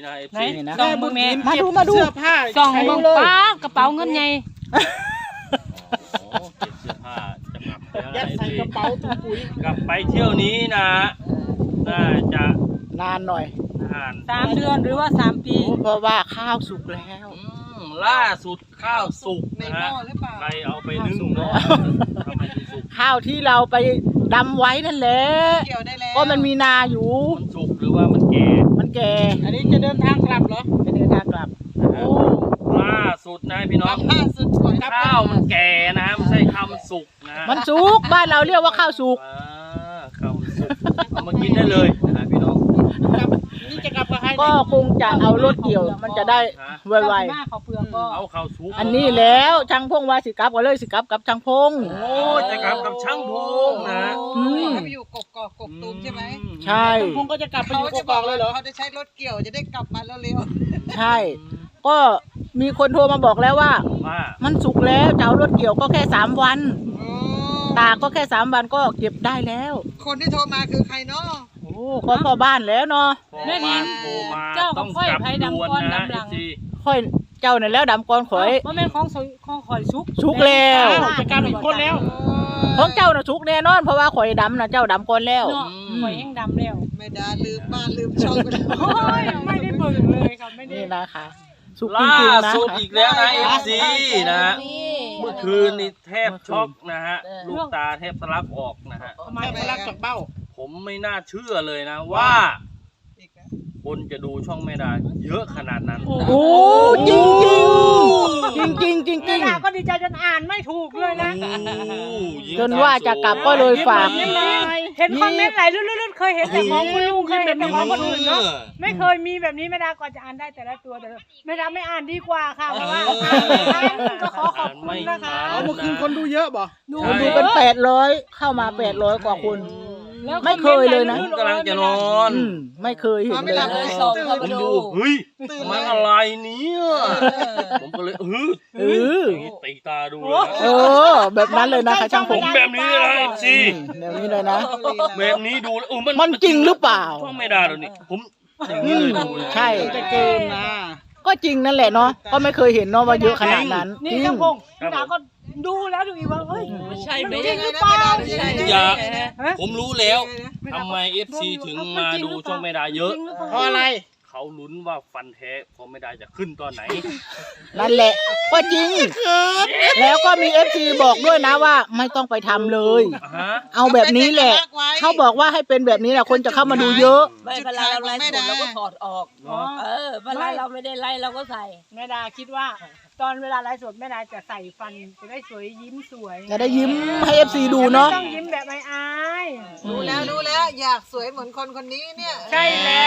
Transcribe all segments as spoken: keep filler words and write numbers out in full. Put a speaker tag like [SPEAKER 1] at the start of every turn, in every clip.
[SPEAKER 1] นะเอฟ
[SPEAKER 2] ไหน
[SPEAKER 1] ซี
[SPEAKER 2] สองมือแม่
[SPEAKER 3] มาดูมาดู
[SPEAKER 4] เสื้อผ้า
[SPEAKER 2] สองมือป้ากระเป๋าเงินไง
[SPEAKER 1] โอ้เก็บเสื้อผ้าจะกลับแล้ว
[SPEAKER 4] ยั
[SPEAKER 1] นะ
[SPEAKER 4] ด
[SPEAKER 1] เอฟ
[SPEAKER 4] ใส่
[SPEAKER 1] ซี
[SPEAKER 4] กระเป๋าถุงปุ๋ย
[SPEAKER 1] กลับไปเที่ยวนี้นะน่าจะ
[SPEAKER 3] นานหน่อย
[SPEAKER 1] นาน
[SPEAKER 2] สามเดือนหรือว่าสามปี
[SPEAKER 3] เพราะว่าข้าวสุกแล้ว
[SPEAKER 1] อืมล่าสุดข้าวสุก
[SPEAKER 4] ใน
[SPEAKER 1] นะ
[SPEAKER 4] หม้
[SPEAKER 1] ฮะ
[SPEAKER 4] อหรือเปล่า
[SPEAKER 1] ใครเอาไปนึ่งเนาะทำไมถึงสุก
[SPEAKER 3] ข้าวที่เราไปดำไว้นั่นแหละ
[SPEAKER 4] เกี่ยวได้แล้ว
[SPEAKER 3] ก็มันมีนาอยู่
[SPEAKER 1] มันสุกหรือว่ามันแก่
[SPEAKER 3] มันแก่
[SPEAKER 4] อันนี้จะเดินทางกลับเหรอ
[SPEAKER 3] จะเดินทางกลับ
[SPEAKER 1] โอ้ล่าสุดนะพี่น้อง
[SPEAKER 4] ล่าสุดก่อนกลับ
[SPEAKER 1] ข้าวมันแก่นะไม่ใช่ข้าวมันสุกนะ
[SPEAKER 3] มันสุกบ้านเราเรียกว่าข้าวสุก
[SPEAKER 1] อ่าข้าวมันสุกเอามากินได้เลยนะฮะพี่น้อง
[SPEAKER 4] กลับนี่จะกลับกับใคร
[SPEAKER 3] ก็คงจะเอารถเกี่ยว มันจะได้ไว
[SPEAKER 2] เก้าสิบห้าเขาเปลือกก็
[SPEAKER 1] เอาข้าวสุก
[SPEAKER 3] ๆอันนี้แล้วช่างพงว่าสิกลับก็เลยสิกลับกับช่างพง
[SPEAKER 1] โอ้จะกลับกับช่างพงนะ
[SPEAKER 3] อืม
[SPEAKER 4] เขาไปอยู่กกอกกกตูมใช่ไหม
[SPEAKER 3] ใช่
[SPEAKER 4] พงก็จะกลับไปอยู่กกอกเลยเหรอเขาจะใช้รถเกี่ยวจะได้กลับมาเร็ว
[SPEAKER 3] ใช่ ก็มีคนโทรมาบอกแล้วว่า
[SPEAKER 1] ว่า
[SPEAKER 3] มันสุกแล้วจะเอารถเกี่ยวก็แค่สามวัน
[SPEAKER 4] ๆโอ้
[SPEAKER 3] ตากก็แค่สามวันก็เก็บได้แล้ว
[SPEAKER 4] คนที่โทรมาคือใครเนาะ
[SPEAKER 3] โอ้ก็พ่อบ้านแล้วเนาะ
[SPEAKER 1] พอบ้านโทรมา
[SPEAKER 2] เจ้าข
[SPEAKER 1] ต้
[SPEAKER 2] อ
[SPEAKER 1] อง ง
[SPEAKER 2] ค่อย
[SPEAKER 1] กลับ
[SPEAKER 2] ไผ่
[SPEAKER 1] ด่วน
[SPEAKER 2] ดำก้อน
[SPEAKER 1] นะ
[SPEAKER 2] ดำหลัง
[SPEAKER 1] เอฟซี
[SPEAKER 3] ค่อยเจ้านั่นแล้วดำก้อนข่อย
[SPEAKER 2] ว่าแม่นของสวยของข่อยซุก
[SPEAKER 3] ซุกแล้ว
[SPEAKER 4] จะกลับอีกคนแล้ว
[SPEAKER 3] ของเจ้าน่ะสุกแน่นอนเพราะว่าข่อยดำนะเจ้าดำก่อนแล้ว
[SPEAKER 2] เนาะข่อยแห้งดำแล้ว
[SPEAKER 4] ไม่ได้ลืมบ้านลืมช่องไปแล้ว
[SPEAKER 2] โอ้ยไม่ได้เบิ่งเลยครับไม่ได้
[SPEAKER 3] นี่นะคะสุกจ
[SPEAKER 1] ล่า
[SPEAKER 3] ริงๆนะ
[SPEAKER 1] สุด
[SPEAKER 3] คะ
[SPEAKER 1] อีกแล้วนะเอฟซี
[SPEAKER 4] ใช่
[SPEAKER 1] นะ
[SPEAKER 2] นี่
[SPEAKER 1] เมื่อคืนนี่แทบช็อกนะฮะลูกตาแทบทะลักออกนะฮะ
[SPEAKER 2] ทำไม
[SPEAKER 4] แค่พลักจากเบ้า
[SPEAKER 1] ผมไม่น่าเชื่อเลยนะว่า
[SPEAKER 4] อีกแล้ว
[SPEAKER 1] คนจะดูช่องไม่ได้เยอะขนาดนั้น
[SPEAKER 3] โอ้จริงจริงจริงจริงจริงจริง
[SPEAKER 2] แม่ดาก็ดีใจจนอ่านไม่ถูกเลยนะ
[SPEAKER 3] จนว่าจะกลับก็เลยฝาก
[SPEAKER 2] เห็นคอมเมนต์ไหลลื่นๆเคยเห็นแต่ของคุณลุงเคยเห็นแต่ของคนอื่นเนาะไม่เคยมีแบบนี้แม่ดาก่อนจะอ่านได้แต่ละตัวแต่ละแม่ดาไม่อ่านดีกว่าค่ะเพราะว่าอ่านก็ขอขอบคุณนะคะ
[SPEAKER 4] เอาเมื่อคืนคนดูเยอะบ่
[SPEAKER 2] ดู
[SPEAKER 3] คนดู
[SPEAKER 2] เย
[SPEAKER 3] เป็น
[SPEAKER 2] อะ
[SPEAKER 3] แปดร้อยเข้ามาแปดร้อยกว่าคน
[SPEAKER 2] แล้ว
[SPEAKER 3] ไม่เคยเลยนะ
[SPEAKER 1] ผมกำลังจะนอน
[SPEAKER 3] อืมไม่เคยเห็น
[SPEAKER 4] ไม่
[SPEAKER 3] เลย
[SPEAKER 4] หลับ
[SPEAKER 3] นะ
[SPEAKER 4] เลยสองเข้า
[SPEAKER 1] ผ
[SPEAKER 4] ไป
[SPEAKER 1] ม
[SPEAKER 4] ดู
[SPEAKER 1] ดูเฮ้ย
[SPEAKER 4] ตื่น
[SPEAKER 1] มัน
[SPEAKER 4] เลย
[SPEAKER 1] อะไรเนี่ยผมก็เลยเออ
[SPEAKER 3] เออ
[SPEAKER 1] อย่างนี้ตีตาดูเลย
[SPEAKER 3] เออ แบบนั้นเลยนะคะช่างผ
[SPEAKER 1] ผม มแบบนี้เลยสิ
[SPEAKER 3] แบบนี้เลยนะ
[SPEAKER 1] แบบนี้ดูแล้วเออมัน
[SPEAKER 3] มันจริงหรือเปล่า
[SPEAKER 1] ช่องไม่ได้หรอกนี่ผมอย่างนี้เลยดูเลย
[SPEAKER 3] ใช่
[SPEAKER 4] จะเกินนะ
[SPEAKER 3] ก็จริงนั่นแหละเนาะก็ไม่เคยเห็นเนาะว่าเยอะขนาดนั้น
[SPEAKER 2] นี่
[SPEAKER 3] จริง
[SPEAKER 2] เจ้าพงแม่ดาก็ดูแล้วดูอีกว่าเฮ้ย
[SPEAKER 1] ไม่ใช่
[SPEAKER 2] มัน
[SPEAKER 1] ไม่
[SPEAKER 2] จริ
[SPEAKER 1] ใช่
[SPEAKER 2] งหรือเปล่า
[SPEAKER 1] อย่า
[SPEAKER 2] ฮะ
[SPEAKER 1] ผมรู้แล้วทำไมเอฟซีถึงมาดูช่องไม่ได้เยอะ
[SPEAKER 4] เพราะอะไร
[SPEAKER 1] เขาลุ้นว่าฟันแท้พอไม่ได้จะขึ้นตอนไหน
[SPEAKER 3] นั่นแหละ ก็จริง แล้วก็มีเอฟซีบอกด้วยนะว่า ไม่ต้องไปทำเลย
[SPEAKER 1] ฮะ
[SPEAKER 3] เอาแบบนี้แหละ เขาบอกว่าให้เป็นแบบนี้แหละคนจะเข้ามาดูเยอะ
[SPEAKER 5] ไม่เวลาเราไล่สดเราก็ถอดออก
[SPEAKER 1] เนาะ
[SPEAKER 5] เออเวลาเราไม่ได้ไล่เราก็ใส่
[SPEAKER 2] แม่ดาคิดว่า ตอนเวลาไลฟ์สดแม่ดาจะใส่ฟันจะได้สวยยิ้มสวย
[SPEAKER 3] จะได้ยิ้มให้เอฟซีดูเนาะ
[SPEAKER 2] ไม่ต้องยิ้มแบบไม่อาย
[SPEAKER 4] รู้แล้วรู้แล้วอยากสวยเหมือนคนคนนี้เนี่ย
[SPEAKER 2] ใช่แล้ว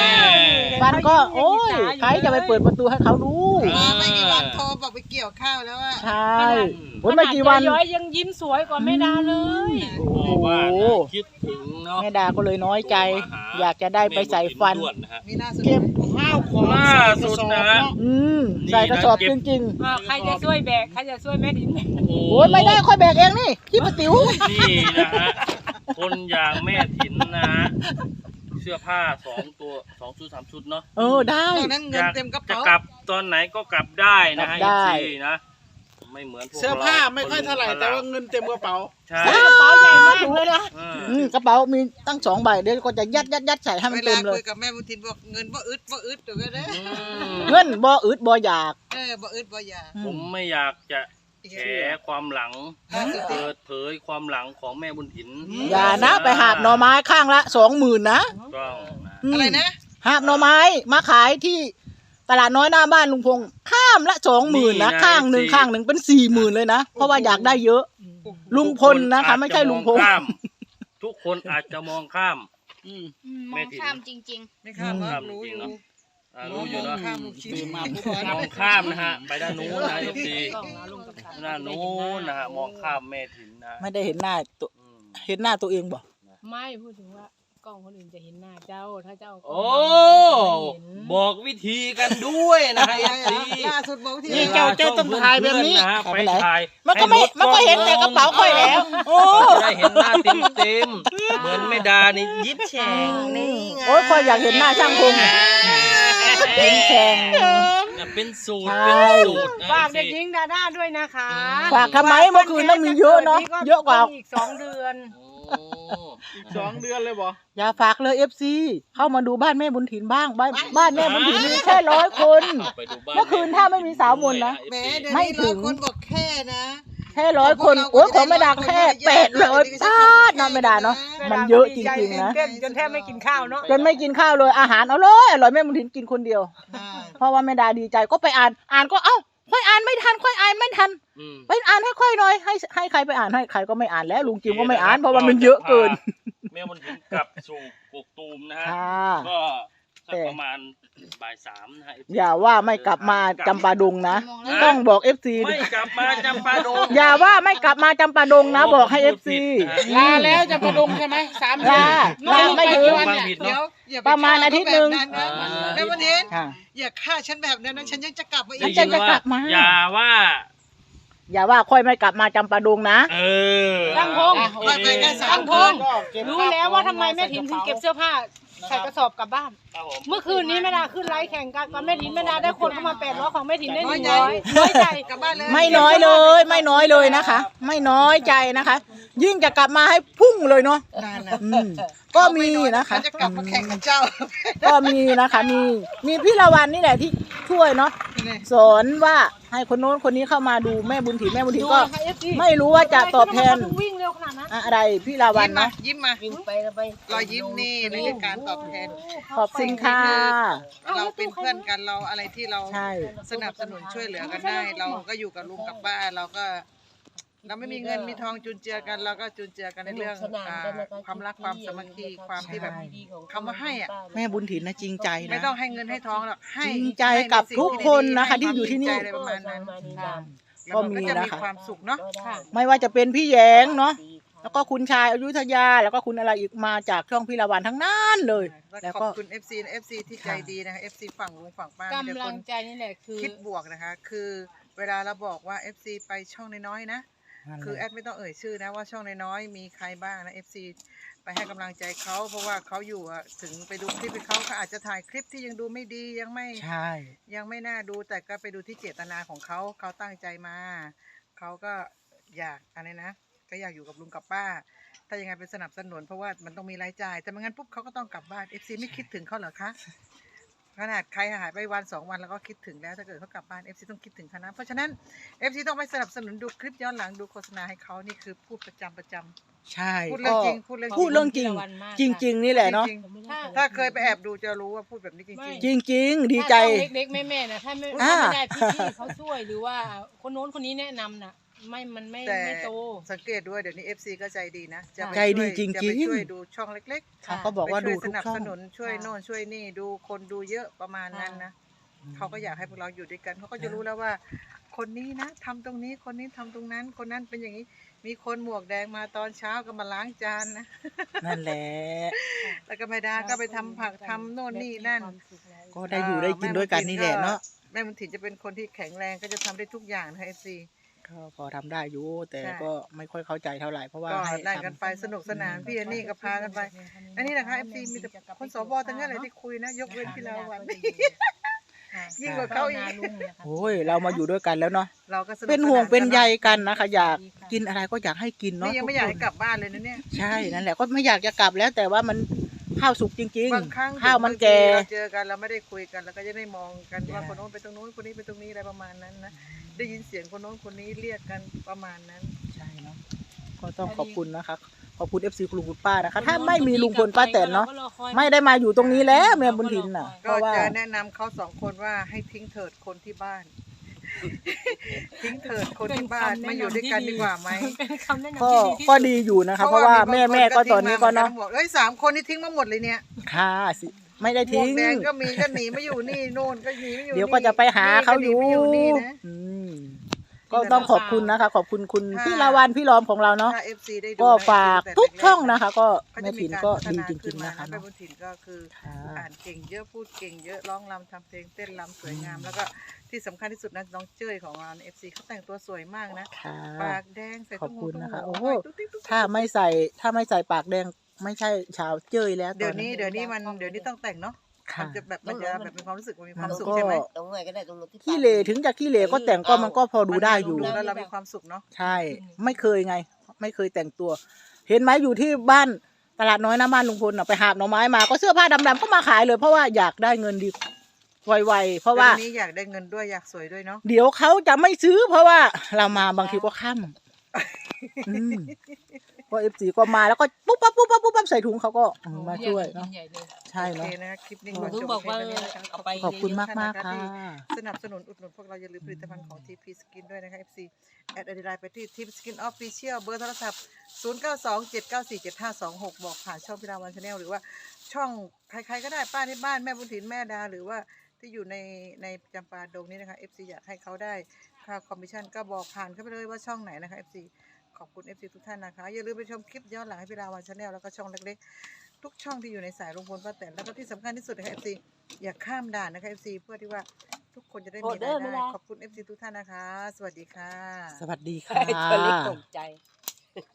[SPEAKER 3] ฟันก็โอ้ยใครจะไปเปิดประตูให้เขาดู
[SPEAKER 4] มาไม่กี่วันโทรบอกไปเกี่ยวข้าวแล้วว่า
[SPEAKER 3] ใช่โอ้ยไม่กี่วัน
[SPEAKER 2] ขนาดย้อยยังยิ้มสวยกว่าแม่ดาเลย
[SPEAKER 3] โอ้โห
[SPEAKER 1] ว่านะคิดถึงเนาะ
[SPEAKER 3] แม่ดาก็เลยน้อยใจ อยากจะได้ไปใส่ฟัน
[SPEAKER 1] ด่วนนะฮะ
[SPEAKER 4] มีหน้าสุด
[SPEAKER 3] เก็บ
[SPEAKER 4] ข้าวของ
[SPEAKER 1] ล่าสุดนะ
[SPEAKER 3] อืมใส่กระสอบจริง
[SPEAKER 2] อ่าใครจะช่วยแบกใครจะช่วยแม่ดิน
[SPEAKER 1] โอ้
[SPEAKER 3] ๆ โอ้ยไม่ได้ค่อยแบกเองนี่ที่ประติ๋ว
[SPEAKER 1] นี่นะฮะคนอย่างแม่ถิ่นนะฮะเสื้อผ้าสองตัวสองชุดสามชุดเนาะ
[SPEAKER 3] เออได้
[SPEAKER 4] ตอนนั้นเงินเต็มกระ
[SPEAKER 1] จะ
[SPEAKER 4] เป๋าก
[SPEAKER 1] ลับตอนไหนก็กลับได้นะฮะ
[SPEAKER 3] กลับได้
[SPEAKER 1] อีซีนะไม่เหมือนพวก
[SPEAKER 4] เสื้อผ้าไม่ค่อยเท่าไหร่แต่ว่าเงินเต็มกระเป๋า
[SPEAKER 1] ใช่
[SPEAKER 3] กระเป๋าใหญ่มากเลยนะ
[SPEAKER 1] เออ
[SPEAKER 3] อืมกระเป๋ามีตั้งสองใบเดี๋ยวก็จะยัดยัดยัดใส่ให้มั
[SPEAKER 4] เวน
[SPEAKER 3] เต็
[SPEAKER 4] ลาม
[SPEAKER 3] เล
[SPEAKER 4] คุ
[SPEAKER 3] ย
[SPEAKER 4] ยกับแม่บุญทินบอกเงินบ่อึดบ่อึดเดี๋ยวก็ได้
[SPEAKER 1] อืม
[SPEAKER 3] เงินบ่อึดบ่อยาก
[SPEAKER 4] เออบ่อึดบ่อยาก
[SPEAKER 1] ผมไม่อยากจะแฉความหลัง
[SPEAKER 4] ล่าสุด
[SPEAKER 1] เปิดเผยความหลังของแม่บุญถิน
[SPEAKER 3] อย่านะไปหาบหน่อไม้ข้างละสองหมื่นนะ
[SPEAKER 1] ต้องนะ
[SPEAKER 3] ม
[SPEAKER 4] อะไรนะ
[SPEAKER 3] หาบหน่อไม้มาขายที่ตลาดน้อยหน้าบ้านลุงพงษ์ข้ามละสองหมื่นนะข้างหนึ่งข้างหนึ่งเป็นสี่หมื่นเลยนะเพราะว่าอยากได้เยอะ ลุงพลนะคะไม่ใช่ลุงพงษ์
[SPEAKER 1] ทุกคนอาจจะมองข้าม
[SPEAKER 4] อืม
[SPEAKER 1] แม่ถิ่น
[SPEAKER 4] ไม่ข้ามว่า
[SPEAKER 1] ข้าม
[SPEAKER 4] รู้
[SPEAKER 1] จริ
[SPEAKER 4] อง
[SPEAKER 1] ๆ
[SPEAKER 4] ยู่
[SPEAKER 1] เนาะอ่ารู้อยู่เนาะ
[SPEAKER 4] ข้ามลูกชิ้นมาผู้บอล
[SPEAKER 1] มองข้ามนะฮะไปด้านนู้นนะทีด้านนู้นนะฮะมองข้ามแม่ถิ่นนะ
[SPEAKER 3] ไม่ได้เห็นหน้าตัว
[SPEAKER 1] อืม
[SPEAKER 3] เห็นหน้าตัวเองบ่
[SPEAKER 2] ไม่พูดถึงว่ากล้องคนอื่นจะเห็นหน้าเจ้าถ้าเจ้า
[SPEAKER 1] โอ้บอกวิธีกันด้วยนะฮะเอฟซี
[SPEAKER 4] ล่าสุดบอกที่
[SPEAKER 3] นี่เจ้าเจ้าต้องถ่ายแบบนี้
[SPEAKER 1] นะฮะไปถ่าย
[SPEAKER 3] มันก็ไม่
[SPEAKER 1] ให้รถ
[SPEAKER 3] มันก็เห็นแต่กระเป๋าค่อยแล้ว โอ้
[SPEAKER 1] จะได้เห็นหน้าเต็มเต็มๆเหมือนไม่ดานี่ยิ้มแฉ่งนี่ไง
[SPEAKER 3] โอ้ยค่อยอยากเห็นหน้าช่างพงษ์
[SPEAKER 1] เ
[SPEAKER 3] เป็นแข่ง
[SPEAKER 1] เนี่ยเป็นสูตร
[SPEAKER 3] ใช่
[SPEAKER 1] เป็นสูตรนะ
[SPEAKER 2] ฝากเด็กหญิงดาด้าด้วยนะคะ
[SPEAKER 3] ฝากทำไมเมื่อคืนต้องมีเยอะเนาะเยอะกว่า
[SPEAKER 2] อีกสองเดือน
[SPEAKER 1] โอ้
[SPEAKER 4] สองเดือนเลยบ่
[SPEAKER 3] อย่าฝากเลยเอฟซีเข้ามาดูบ้านแม่บุญถิ่นบ้างบ้านบ้านแม่บุญถิ่นมีแค่ร้อยคน
[SPEAKER 1] ไปดูบ้าน
[SPEAKER 3] เมื่อคืนถ้าไม่มีสาวมนต์นะ
[SPEAKER 4] แหม่เดี๋ยว
[SPEAKER 3] ไม่
[SPEAKER 4] นี้
[SPEAKER 3] ถึ
[SPEAKER 4] ร้อย
[SPEAKER 3] ง
[SPEAKER 4] คนบอกแค่นะ
[SPEAKER 3] แค่ร้อยคนโอ้ยของไม่ดาแค่แปดร้อยบาทเนาะไม่ดาเนาะมันเยอะจริงๆนะ
[SPEAKER 2] เต้นจนแทบไม่กินข้าวเนาะ
[SPEAKER 3] จนไม่กินข้าวเลยอาหารเอาเลยอร่อยแม่บุญถิ่นกินคนเดียว
[SPEAKER 4] อ่า
[SPEAKER 3] เพราะว่าแม่ดาดีใจก็ไปอ่านอ่านก็เอ้าค่อยอ่านไม่ทันค่อยอ่านไม่ทัน
[SPEAKER 1] อืม
[SPEAKER 3] ไปอ่านให้ค่อยหน่อยให้ให้ใครไปอ่านให้ใครก็ไม่อ่านแล้วลุงจิมก็ไม่อ่านเพราะว่ามันเยอะเกิน
[SPEAKER 1] แม่มันถึงกลับสู่กกตูมนะฮะ
[SPEAKER 3] ค่ะ
[SPEAKER 1] ก็สักประมาณบ่ายสามนะฮะ
[SPEAKER 3] อย่าว่าไม่กลับมาจำปาดงนะต้องบอกเอฟซี
[SPEAKER 1] ไม่กลับมาจำปาดง
[SPEAKER 3] อย่าว่าไม่กลับมาจำปาดงนะบอกให้เอฟซี
[SPEAKER 4] ลาแล้วจะประดงใช่ไหมสาม
[SPEAKER 3] ลาลาไม่ถึง
[SPEAKER 1] ฟังผิด
[SPEAKER 4] เดี๋ย
[SPEAKER 1] เนาะ
[SPEAKER 4] วอย่าไป
[SPEAKER 3] ประมาณอาทิตย์หนึ่ง
[SPEAKER 4] ฆ่าเขาแบบนั้นนะแล้ววันนี้
[SPEAKER 3] ค่ะ
[SPEAKER 4] อย่าฆ่าฉันแบบนั้นนะฉันยังจะกลับมาอี
[SPEAKER 1] ได้
[SPEAKER 4] ก
[SPEAKER 1] ยิน
[SPEAKER 3] จะกลั
[SPEAKER 1] ว่า
[SPEAKER 3] บมา
[SPEAKER 1] อย่าว่า
[SPEAKER 3] อย่าว่าค่อยไม่กลับมาจำปาดงนะ
[SPEAKER 1] เออ
[SPEAKER 2] ตั้งพง
[SPEAKER 4] ไปไปแค่สา
[SPEAKER 2] ตั้
[SPEAKER 4] ม
[SPEAKER 2] ง
[SPEAKER 4] ค
[SPEAKER 2] พง
[SPEAKER 4] น
[SPEAKER 2] รู้แล้วว่าทำไมแม่ถินถึงเก็บเสื้อผ้าใส่กระสอบกลับบ้าน
[SPEAKER 1] ครับผม
[SPEAKER 2] เมื่อคืนนี้แม่ดาขึ้นไลฟ์แข่งกันกับแม่ถินแม่ดาได้คนเข้ามาแปดร้อยของแม่ถินได้หนึ่งร้อยน้อยใจ
[SPEAKER 4] กลับบ้านเลย
[SPEAKER 3] ไม่น้อยเลยไม่น้อยเลยนะคะ ไม่น้อยใจนะคะ ยิ่งจะกลับมาให้พุ่งเลยเนาะ
[SPEAKER 4] นั่นนะ
[SPEAKER 3] อืมก็มีนะคะ
[SPEAKER 4] ฉันจะกลับมาแข่งกับเจ้า
[SPEAKER 3] ก็มีนะคะมีมีพี่ละวันนี่แหละที่ช่วยเนาะสอนว่าให้คนโน้นคนนี้เข้ามาดูแม่บุญถิ่นแม่บุญถิ่นก็
[SPEAKER 2] ดูนะคะ เอฟ ซี
[SPEAKER 3] ไม่รู้ว่าจะตอบแทน
[SPEAKER 2] ทำไมเขาถึงวิ่งเร็วขนาดนั้น
[SPEAKER 3] อะไรพี่ละวัน
[SPEAKER 4] ยิ้มมา
[SPEAKER 3] เนาะ
[SPEAKER 4] ยิ้มมา
[SPEAKER 5] วิ่งไปแล้วไป
[SPEAKER 4] รอยยิ้มนี่ในการตอบแทน
[SPEAKER 3] ขอบคุณค่ะ
[SPEAKER 4] เราเป็นเพื่อนกันเราอะไรที่เรา
[SPEAKER 3] ใช่
[SPEAKER 4] สนับสนุนช่วยเหลือกันได้ เราก็อยู่กับลุงกับป้าเราก็ เราไม่มีเงินมีทองจุนเจือกันเราก็จุนเจือกันในเรื่องอ่าความรักความสามัคคีความที่แบบ คำว่าให้อะ
[SPEAKER 3] แม่บุญถิ่นนะจริงใจ
[SPEAKER 4] ไม่
[SPEAKER 3] นะ
[SPEAKER 4] ต้องให้เงินให้ทองหรอกให้
[SPEAKER 3] จริงใจกับทุกคนนะคะที่อยู่ที่นี่
[SPEAKER 4] ให้ความจริงใจอะไรประมาณนั้น
[SPEAKER 3] ก็มี
[SPEAKER 4] แล้วนก็จะมี
[SPEAKER 3] นะคะ
[SPEAKER 4] ความสุขเนาะ
[SPEAKER 3] ไม่ว่าจะเป็นพี่แยงเนาะแล้วก็คุณชายอยุธยา แล้วก็คุณอะไรอีกมาจากช่องพี่ละวันทั้งนั้นเลย
[SPEAKER 4] แล้
[SPEAKER 3] แล้ว ว
[SPEAKER 4] ข
[SPEAKER 3] ก็
[SPEAKER 4] อบคุณ เอฟ ซี นะ เอฟ ซี ที่ใจดีนะคะ เอฟ ซี ฝั่งลุงฝั่งป้ามีแต่
[SPEAKER 2] กำ
[SPEAKER 4] ค
[SPEAKER 2] ลั
[SPEAKER 4] น
[SPEAKER 2] งใจนี่แหละคือ
[SPEAKER 4] คิดบวกนะคะ คือเวลาเราบอกว่า เอฟ ซี ไปช่องน้อยๆนะ คือแอดไม่ต้องเอ่ยชื่อนะว่าช่องน้อยๆมีใครบ้างนะ เอฟ ซี ไปให้กำลังใจเขาเพราะว่าเขาอยู่อะถึงไปดูคลิปให้เขาเขาอาจจะถ่ายคลิปที่ยังดูไม่ดียังไม่
[SPEAKER 3] ใช่
[SPEAKER 4] ยังไม่น่าดูแต่ก็ไปดูที่เจตนาของเขาเขาตั้งใจมาเขาก็อยากอะไรนะ ก็อยากอยู่กับลุงกับป้า ถ้ายังไงเป็นสนับสนุนเพราะว่ามันต้องมีรายจ่ายแต่ไม่งั้นปุ๊บเขาก็ต้องกลับบ้าน เอฟ ซี ไม่คิดถึงเขาเหรอคะขนาดใครหายไปวันสองวันแล้วก็คิดถึงแล้วถ้าเกิดเขากลับบ้าน เอฟ ซี ต้องคิดถึงเขานะเพราะฉะนั้น เอฟ ซี ต้องไปสนับสนุนดูคลิปย้อนหลังดูโฆษณาให้เขานี่คือพูดประจำประจำ
[SPEAKER 3] ใช่
[SPEAKER 4] พูดเรื่องจริงพูดเรื่องจริง
[SPEAKER 3] พูดเรื่องจริง จริง ๆ นี่แหละเนาะ
[SPEAKER 4] จริงๆถ้าเคยไปแอบดูจะรู้ว่าพูดแบบนี้จริง
[SPEAKER 3] จริง ๆ ดีใจ
[SPEAKER 2] ถ้าช่องเล็กๆแม่ๆนะถ้าไม่
[SPEAKER 3] อ่า
[SPEAKER 2] ถ้าไม่ได้พี่ๆเขาช่วยหรือว่าคนโน้นคนนี้แนะนำน่ะ ไม่มันไม่
[SPEAKER 4] แต่
[SPEAKER 2] ไม่โต
[SPEAKER 4] สังเกตด้วยเดี๋ยวนี้ เอฟ ซี ก็ใจดีนะจะไป
[SPEAKER 3] ใจดี
[SPEAKER 4] ช่วย
[SPEAKER 3] จริงๆ
[SPEAKER 4] จะไปช่วยดูช่องเล็กๆ
[SPEAKER 3] เขาก็บอกว่า
[SPEAKER 4] ไป
[SPEAKER 3] ดู
[SPEAKER 4] ช่วยส
[SPEAKER 3] ทุก
[SPEAKER 4] นับ
[SPEAKER 3] ช่อ
[SPEAKER 4] ส
[SPEAKER 3] ง
[SPEAKER 4] นุนช่วยโน่นช่วยนี่ดูคนดูเยอะประมาณนั้นนะ
[SPEAKER 3] อืม
[SPEAKER 4] เขาก็อยากให้พวกเราอยู่ด้วยกันเขาก็จะรู้แล้วว่า คนนี้นะทำตรงนี้คนนี้ทำตรงนั้น คนนั้นเป็นอย่างนี้ มีคนหมวกแดงมาตอนเช้าก็มาล้างจานนะ
[SPEAKER 3] นั่นแหละ
[SPEAKER 4] แล้วก็แม่ดาก็ไปทำผักทำโน่นนี่นั่น
[SPEAKER 3] ก็ได้อยู่ได้กินด้วยกันนี่แหละเนาะ
[SPEAKER 4] แม่บุญถิ่นจะเป็นคนที่แข็งแรงก็จะทำได้ทุกอย่างนะเอฟซี
[SPEAKER 3] ก็พอทำได้อยู่แต่
[SPEAKER 4] ใช่
[SPEAKER 3] ก็ไม่ค่อยเข้าใจเท่าไหร่เพราะว่า
[SPEAKER 4] ก็
[SPEAKER 3] ให้
[SPEAKER 4] ได้
[SPEAKER 3] ทำ
[SPEAKER 4] กันไปสนุกสนานพี่อันนี่ก็พากันไป อันนี้นะคะเอฟซีมีแต่คนสวทั้งนั้นเลยที่คุยนะ ยกเว้นพี่ลาวัน ยิ่งกว่าเขาอีก
[SPEAKER 3] โอ้ยเรามาอยู่ด้วยกันแล้วเนาะ
[SPEAKER 4] เราก็สนุก
[SPEAKER 3] เป็นห่วง
[SPEAKER 4] สา
[SPEAKER 3] เป็นใย
[SPEAKER 4] กั
[SPEAKER 3] กันนะคะ อยากกินอะไรก็อยากให้กิน
[SPEAKER 4] น
[SPEAKER 3] เนาะ
[SPEAKER 4] นี่ยังไม่อยากให้กลับบ้านเลยนะเนี่ย
[SPEAKER 3] ใช่นั่นแหละก็ไม่อยากจะกลับแล้ว แต่ว่ามันข้าวสุกจริง
[SPEAKER 4] บางครั้ง
[SPEAKER 3] ๆ ข้าวมันแก่
[SPEAKER 4] เราเจอกันเราไม่ได้คุยกันเราก็จะได้มองกันว่าคนโน้นไปตรงโน้นคนนี้ไปตรงนี้อะไรประมาณนั้นนะได้ยินเสียงคนโน้นคนนี้เรียกกันประมาณนั้น
[SPEAKER 3] ใช่เนาะก็ต้องขอบคุณนะคะขอบคุณเอฟซีคุณลุงคุณป้านะคะ ถ้าไม่มีลุงพลป้าแตนเนาะไม่ได้มาอยู่ตรงนี้แล้วแม่บุญถิ่นน่ะเพ
[SPEAKER 4] ก็
[SPEAKER 3] ราะว่า
[SPEAKER 4] จะแนะนำเขาสองคนว่าให้ทิ้งเถิดคนที่บ้าน ทิ้งเถิดคนที่บ้านมาอยู่ด้วยกันดีกว่าไหม
[SPEAKER 2] เป็นคำแนะนำ
[SPEAKER 3] ก็
[SPEAKER 2] ที่ดีที่สุด
[SPEAKER 3] ก็ดีอยู่นะคะ เพราะว่าแม่แม่ก็ตอนนี้ก็เนาะ
[SPEAKER 4] บอกเอ้ยสามคนนี่ทิ้งมาหมดเลยเนี่ย
[SPEAKER 3] ค่ะสิไม่ได้
[SPEAKER 4] หมว
[SPEAKER 3] ทิ้
[SPEAKER 4] ก
[SPEAKER 3] ง
[SPEAKER 4] แดงก็มีก็หนีมาอยู่นี่โน่นก็หนีมาอยู่
[SPEAKER 3] เดี๋ยวก็จะไปหาเขาอยู่
[SPEAKER 4] นี่ก็หนีมาอยู่นี่นะ
[SPEAKER 3] อืมก็ต้องขอบคุณนะคะ ขอบคุณคุณ
[SPEAKER 4] ค่ะ
[SPEAKER 3] พี่ลาวันพี่ล้อมของเราเนาะ
[SPEAKER 4] ถ้า เอฟ ซี ได้ดู
[SPEAKER 3] ก็
[SPEAKER 4] นะ
[SPEAKER 3] ฝาก
[SPEAKER 4] แต่
[SPEAKER 3] ทุก
[SPEAKER 4] แรๆ
[SPEAKER 3] ช่องนะคะ ก็
[SPEAKER 4] เขา
[SPEAKER 3] แม่
[SPEAKER 4] จะ
[SPEAKER 3] ถิ่น
[SPEAKER 4] าร
[SPEAKER 3] ก็
[SPEAKER 4] พัฒ
[SPEAKER 3] ดี
[SPEAKER 4] นา
[SPEAKER 3] จ
[SPEAKER 4] ขึ้
[SPEAKER 3] ริง
[SPEAKER 4] น
[SPEAKER 3] ๆ
[SPEAKER 4] มา
[SPEAKER 3] นะคะ
[SPEAKER 4] แม่
[SPEAKER 3] เนาะ
[SPEAKER 4] บุญถิ่นก็คือ
[SPEAKER 3] ค่ะ
[SPEAKER 4] อ่านเก่งเยอะพูดเก่งเยอะร้องรำทำเพลงเต้นรำสวยงาม แล้วก็ที่สำคัญที่สุดนะน้องเจ้ยของเราเอฟซีเขาแต่งตัวสวยมากนะ
[SPEAKER 3] ค่ะ
[SPEAKER 4] ปากแดงใส่
[SPEAKER 3] ขอบคุณนะคะ
[SPEAKER 4] ตุ้ง
[SPEAKER 3] โอ้
[SPEAKER 4] หู
[SPEAKER 3] โห
[SPEAKER 4] ตุ้งติ๊กตุ๊กติ๊ก
[SPEAKER 3] ถ้าไม่ใส่ถ้าไม่ใส่ปากแดงไม่ใช่ชาวเจ้ยแล้ว
[SPEAKER 4] เดี๋ยว
[SPEAKER 3] ตอ
[SPEAKER 4] นี้เดี๋ยวนี้มันเดี๋ยวนี้ต้องแต่งเนาะ
[SPEAKER 3] ค่ะ
[SPEAKER 4] มันจะแบบมันจะแบบมีความรู้สึกมันมีความ
[SPEAKER 3] แล้ว
[SPEAKER 4] สุข
[SPEAKER 3] ก็
[SPEAKER 4] ใช่ไหม
[SPEAKER 5] ตรงไหนก็ได้ตรงนู้นที่
[SPEAKER 3] ขี้เหร่ถึงจะขี้เหร่ก็แต่งก็มันก็พอดูได้อยู่
[SPEAKER 4] ดูแล้วเรามีความสุขเนาะ
[SPEAKER 3] ใช่ ไม่เคยไง ไม่เคยแต่งตัว เห็นไหมอยู่ที่บ้านตลาดน้อยหน้าบ้านลุงพลน่ะไปหาบหน่อไม้มาก็เสื้อผ้าดำๆก็มาขายเลย เพราะว่าอยากได้เงินดีไวๆเพราะว่า
[SPEAKER 4] แต่ทีนี้อยากได้เงินด้วยอยากสวยด้วยเนาะ
[SPEAKER 3] เดี๋ยวเขาจะไม่ซื้อ เพราะว่าเรามาบางทีก็ค่ำอืมก็เอฟซีก็มาแล้วก็ปุ๊บปั๊บปุ๊บปั๊บปุ๊บปั๊บใส่ถุงเขาก็อืมมาช่วยเนาะใช่
[SPEAKER 4] โอ
[SPEAKER 3] เนาะ
[SPEAKER 4] เคนะคะคลิปนี้
[SPEAKER 5] หนู
[SPEAKER 4] ขอ
[SPEAKER 5] ถึง
[SPEAKER 4] จบ
[SPEAKER 5] บอกว่า
[SPEAKER 4] เพียงเท่านี้นะคะ
[SPEAKER 5] เอาไป
[SPEAKER 3] ขอบคุณมากมากๆค่ะ
[SPEAKER 4] สนับสนุนอุดหนุนพวกเราอย่าลืมผลิตภัณฑ์ของ ที พี Skin ด้วยนะคะ เอฟ ซี แอดไอดีไลน์ไปที่ ที พี Skin Official เบอร์โทรศัพท์ ศูนย์ เก้า สอง เจ็ด เก้า สี่ เจ็ด ห้า สอง หก บอกผ่านช่องพิราวันชาแนลหรือว่าช่องใครๆก็ได้ป้าที่บ้านแม่บุญถิ่นแม่ดาหรือว่าที่อยู่ในในจำปาดงนี้นะคะ เอฟ ซี อยากให้เขาได้ค่าคอมมิชชั่นก็บอกผ่านเข้าไปเลยว่าช่องไหนนะคะ เอฟ ซี ขอบคุณ เอฟ ซี ทุกท่านนะคะ อย่าลืมไปชมคลิปย้อนหลังให้พิราวันชาแนลแล้วก็ช่องเล็กๆทุกช่องที่อยู่ในสายลุงพลป้าแตนแล้วก็ที่สำคัญที่สุดนะคะ เอฟ ซี อย่าข้ามด่านนะคะ เอฟ ซี เพื่อที่ว่าทุกคนจะได้มีรายได้ขอบคุณ เอฟ ซี ทุกท่านนะคะ สวัสดีค่ะ
[SPEAKER 3] สวัสดีค่ะ
[SPEAKER 5] ตัวเล็กตกใจ